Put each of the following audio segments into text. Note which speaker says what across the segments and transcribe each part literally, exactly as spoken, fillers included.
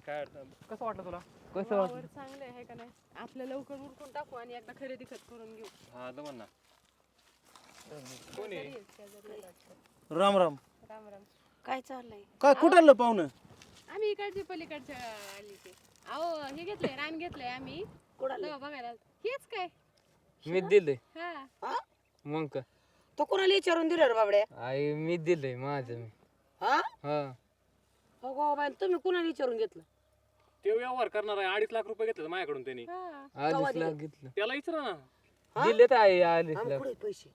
Speaker 1: काय कसं वाटलं तुला?
Speaker 2: कसं
Speaker 3: वावर
Speaker 2: वाटलं?
Speaker 3: चांगलं आहे का नाही आपलं लवकर उरकून टाकू आणि एकदा खरेदी खत करून घेऊ.
Speaker 1: हा दमन ना. कोणी?
Speaker 3: शेजारी आहेत, शेजारी आहेत वाटतं.
Speaker 4: राम राम.
Speaker 3: राम राम.
Speaker 5: काय चाललंय?
Speaker 4: काय कुठं आलं पाहुणं?
Speaker 3: आम्ही इकडचे पलीकडच्या आली ते अहो हे घेतलंय रान घेतलंय आम्ही
Speaker 5: कुणाला?
Speaker 3: तेव्हा बघायला हेच काय
Speaker 2: मी दिलंय
Speaker 3: हा
Speaker 5: हा?
Speaker 2: मग का
Speaker 5: तो कोणाला विचारून दिलं रे बाबड्या?
Speaker 2: आई मी दिलंय माझं मी
Speaker 5: हा?
Speaker 2: हा
Speaker 5: हो गो बाई, तुम्ही कुणाला विचारून घेतलं?
Speaker 1: ते व्यवहार करणार आहे अडीच लाख रुपये घेतले माझ्याकडून त्यांनी.
Speaker 3: हा
Speaker 2: आधीच लाख घेतलं
Speaker 1: त्याला विचारा ना.
Speaker 5: हा?
Speaker 2: दिले तर आई अडीच
Speaker 5: आम्ही
Speaker 2: लाख
Speaker 5: कुठे पैसे?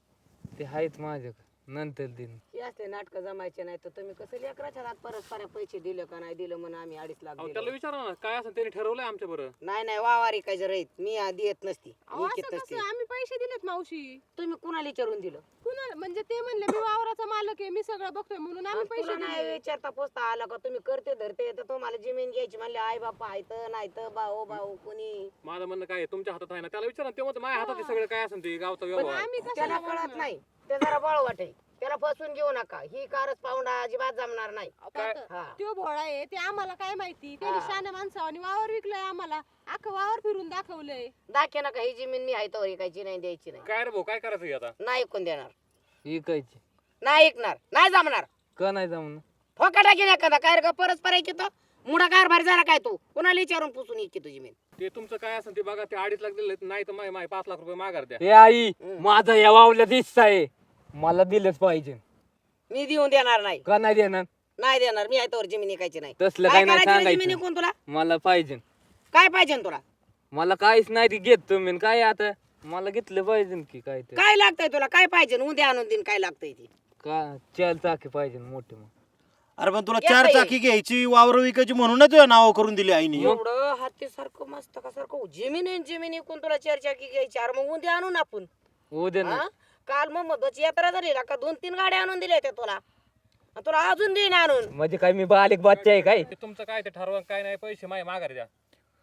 Speaker 2: ते आहेत माझ्याकडे नंतर दिन
Speaker 5: हे असले नाटक जमायचे नाही तर तुम्ही कसं लेकराच्या हात परस्पर पैसे दिले का नाही दिलं म्हणून आम्ही अडीच लाख
Speaker 1: अहो
Speaker 5: दिले.
Speaker 1: त्याला विचारा ना काय असं त्यांनी ठरवलंय आमच्या बरं.
Speaker 5: नाही नाही वावारी काय जर राहीत मी आधी येत नसती
Speaker 3: अहो
Speaker 5: मी
Speaker 3: असं
Speaker 5: घेत नसते.
Speaker 3: कसं आम्ही पैसे दिलेत मावशी
Speaker 5: तुम्ही कुणाला विचारून दिलं?
Speaker 3: कुणाला म्हणजे ते म्हणले मी वावराचा मालक आहे मी सगळं बघतोय म्हणून आम्ही
Speaker 5: आणि
Speaker 3: पैसे
Speaker 5: तुला नाही
Speaker 3: दिले.
Speaker 5: विचारता पोचता आला का तुम्ही करते धरते तर तुम्हाला जमीन घ्यायची म्हणले आई बापा आहेत नाही तर भाऊ भाऊ कुणी.
Speaker 1: माझं म्हणणं काय आहे, तुमच्या हातात आहे ना. त्याला विचारा ते म्हणतं माझ्या हातात आहे सगळं काय असेल ते गावचा
Speaker 3: पण
Speaker 1: व्यवहार.
Speaker 3: आम्ही
Speaker 5: त्याला
Speaker 3: कशाला
Speaker 5: कळत नाही ते जरा बळ वाटे त्याला फसवून घेऊ नका ही कारच पाहुणा अजिबात जमणार नाही.
Speaker 1: काय?
Speaker 5: हा.
Speaker 3: तो भोळा आहे ते आम्हाला काय माहिती त्यांनी
Speaker 5: हा.
Speaker 3: शाने माणसावानी वावर विकलंय आम्हाला अख्खं वावर फिरून दाखवलंय.
Speaker 5: दाखे नका ही जमीन मी आहे तर ऐकायची नाही द्यायची नाही
Speaker 1: काय रे भाऊ काय करायचं हे आता?
Speaker 5: नाही ऐकून देणार
Speaker 2: विकायची
Speaker 5: नाही ऐकणार नाही जमणार
Speaker 2: का नाही जमून
Speaker 5: ठोका टाकी एखादा काय रे का परस्पर ऐकी तो मुडा कारभार जरा काय तू कुणाला विचारून पुसून ऐकी तुझी जमीन.
Speaker 1: ते तुमचं काय असेल ते बघा. ते अडीच लाख दिले नाही तर माय पाच लाख रुपये माघार द्या.
Speaker 2: हे आई माझा या वावल्या दिसत आहे मला दिलंच पाहिजे
Speaker 5: मी देऊन देणार नाही
Speaker 2: का नाही देणार
Speaker 5: नाही देणार मी आहे तर जमीन ऐकायची नाही.
Speaker 2: तसलं
Speaker 5: काय
Speaker 2: काय नाही
Speaker 5: करायची रे जमीन
Speaker 2: सांगायचं
Speaker 5: ऐकून तुला
Speaker 2: मला पाहिजे
Speaker 5: काय पाहिजे तुला
Speaker 2: मला काहीच नाही ते घेत तुम्ही काय आता मला घेतलं पाहिजे की काय ते
Speaker 5: काय लागतंय तुला काय पाहिजे उद्या आणून देईन काय लागतंय ते.
Speaker 2: का चार चाकी पाहिजे मोठे मग
Speaker 4: अरे पण तुला
Speaker 5: या
Speaker 4: चार
Speaker 5: बाई.
Speaker 4: चाकी घ्यायची वावर विकायची म्हणूनच तुझ्या नाव करून दिली आईने.
Speaker 5: एवढं हाती सारखं मस्त का सारखं जमीन आहे जमीन ऐकून तुला चर्चा की घ्यायची अरे मग उद्या आणून आपण.
Speaker 2: उद्या ना
Speaker 5: हा? काल मग मधूची यात्रा झाली ना का दोन तीन गाड्या आणून दिल्या त्या तुला आणि तुला अजून देईन आणून.
Speaker 2: म्हणजे काय मी बालिक बच्चा आहे काय
Speaker 1: ते तुमचं काय ते ठरवा काय नाही पैसे माय माघार द्या.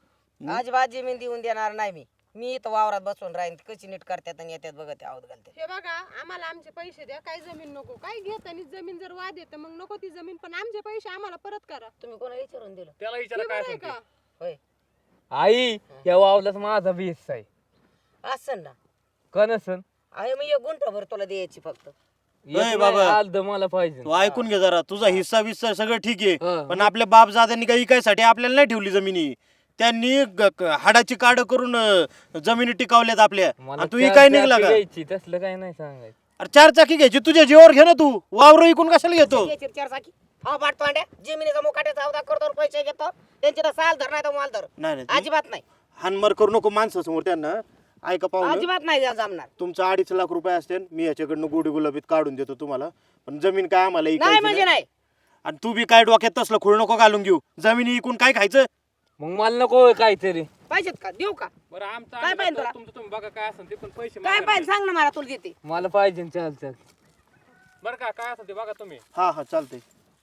Speaker 5: अजिबात जमीन देऊन देणार नाही मी मी इथं वावरात बसून राहीन कशी नीट करतात आणि येतात बघत आवत घालते.
Speaker 3: हे बघा आम्हाला आमचे पैसे द्या काय जमीन नको काय घेत आणि जमीन जर वाद येतं मग नको ती जमीन पण आमचे पैसे आम्हाला परत करा.
Speaker 5: तुम्ही कोणाला विचारून दिलं?
Speaker 1: त्याला विचारा
Speaker 3: हे
Speaker 1: काय
Speaker 3: बरं आहे
Speaker 1: असेल ते.
Speaker 3: का
Speaker 5: होय
Speaker 2: आई या वावलाच माझा बीस आहे
Speaker 5: असं ना
Speaker 2: का नसन
Speaker 5: आहे मग एक गुंठभर तुला द्यायची फक्त.
Speaker 4: नाही बाबा.
Speaker 2: आल तर मला पाहिजे
Speaker 4: तू ऐकून घे जरा तुझा हिस्सा विस्सा सगळं ठीक आहे
Speaker 2: हा.
Speaker 4: पण आपल्या बाप जात्यांनी काही विकायसाठी आपल्याला नाही ठेवली जमिनी. त्यांनी ग- ग- हाडाची काढ करून अं, जमिनी टिकावल्यात आपल्या
Speaker 2: मला
Speaker 4: आणि तू
Speaker 2: चार
Speaker 4: काय निघला
Speaker 2: चाकी
Speaker 4: का?
Speaker 2: घ्यायची तसलं काय नाही सांगायचं
Speaker 4: अरे चार चाकी घ्यायची तुझ्या जीवावर घे ना तू वावर इकून कशाला घेतो?
Speaker 5: घ्यायची चार चाकी हा पाठतो अंड्या जमिनीचा मुकाट्याचा अवधा करतो आणि पैसे घेतो त्यांची तर साल धर नाही तर माल धर
Speaker 4: नाही नाही
Speaker 5: अजिबात नाही
Speaker 4: हानमार करू नको माणसासमोर त्यांना. ऐका पाहून
Speaker 5: अजिबात नाही जमणार.
Speaker 4: तुमचं अडीच लाख रुपये असतील मी याच्याकडनं गोडी गुलाबीत काढून देतो तुम्हाला पण जमीन काय आम्हाला
Speaker 5: नाही
Speaker 4: इकायची
Speaker 5: म्हणजे
Speaker 4: नाही.
Speaker 5: नाही
Speaker 4: आणि तू बी काय डोक्यात तसलं खुळ नको घालून घेऊ. जमिनी इकून काय खायचं?
Speaker 2: मग मला नको होय काहीतरी
Speaker 5: पाहिजेत का देऊ का
Speaker 1: बरं आमचं
Speaker 5: काय
Speaker 1: आम्ही
Speaker 5: पाहिजे
Speaker 1: बघतो,
Speaker 5: तुला?
Speaker 1: तुमचं तुम्ही बघा काय असेल ते पण पैसे
Speaker 5: काय
Speaker 1: माघार
Speaker 5: पाहिजे
Speaker 1: द्या.
Speaker 5: सांग ना मला तुला देते.
Speaker 2: मला पाहिजे चार चाकी
Speaker 1: बरं का काय असेल ते बघा तुम्ही.
Speaker 4: हा हा चालतंय.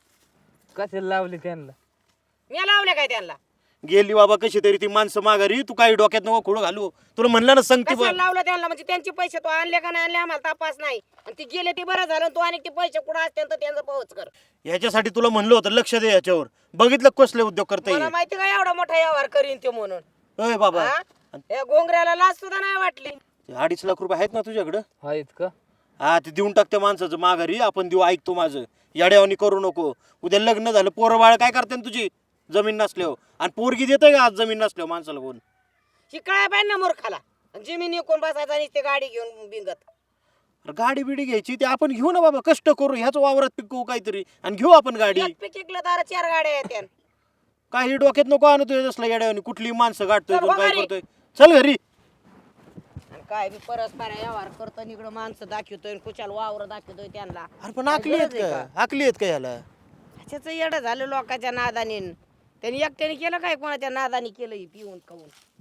Speaker 2: कशाला लावली त्यांना
Speaker 5: मी लावले काय त्यांना
Speaker 4: गेली बाबा कशी तरी ती माणसं माघारी. तू काही डोक्यात नको खुळ घालू. तुला म्हणलं ना सांगते
Speaker 5: कशाला लावलं त्यांना म्हणजे त्यांचे पैसे तो आणले का नाही आणले आम्हाला तपास नाही आणि ते गेले ते बरं झालं तू आणि ते पैसे कुठं असते तर त्यांचं पोहोच कर.
Speaker 4: ह्याच्यासाठी तुला म्हणलं होतं लक्ष दे याच्यावर. बघितलं कसले उद्योग करता
Speaker 5: मला
Speaker 4: येईल.
Speaker 5: माहिती का एवढा मोठा व्यवहार करीन ते म्हणून.
Speaker 4: अय बाबा
Speaker 5: हा? या घोंगऱ्याला लाच सुद्धा नाही वाटली.
Speaker 4: ते अडीच लाख रुपये आहेत ना तुझ्याकडं?
Speaker 2: आहेत का
Speaker 4: हा ते देऊन टाक त्या माणसाचं माघारी. आपण देऊ. ऐकतो माझं याड्यावानी करू नको. उद्या लग्न झालं पोरं बाळ काय करते तुझी जमीन नसल्यावर आणि पोरगी देते का आज जमीन नसल्यावर माणसाला कोण?
Speaker 5: शिकाय पाहिजे ना मूर्खाला जमीन विकून बसायचा आणि ते गाडी घेऊन बिंगत.
Speaker 4: अरे गाडी बिडी घ्यायची ते आपण घेऊ ना बाबा. कष्ट करू ह्याच वावरात पिकवू काहीतरी आणि घेऊ आपण गाडी.
Speaker 5: एक पीक इकलं तर चार गाड्या येत्या.
Speaker 4: काही डोक्यात नको आणू तुझ्या तसला याड्यावानी. कुठली माणसं गाठतोय
Speaker 5: चल
Speaker 4: कोण काय
Speaker 5: घरी.
Speaker 4: करतोय. चल घरी.
Speaker 5: आणि काय बी परस्पर व्यवहार करतो आणि इकडं माणसं दाखवतोय कुशाल वावर दाखवतोय त्यांना.
Speaker 4: अरे पण आकली आहेत
Speaker 5: गरज आहे
Speaker 4: का? आकली आहेत का याला?
Speaker 5: ह्याच्याच येडं झालं लोकांच्या नादाने. त्यांनी एकट्याने केलं काय कोणाच्या नादाने केलं हे पिऊन खाऊन.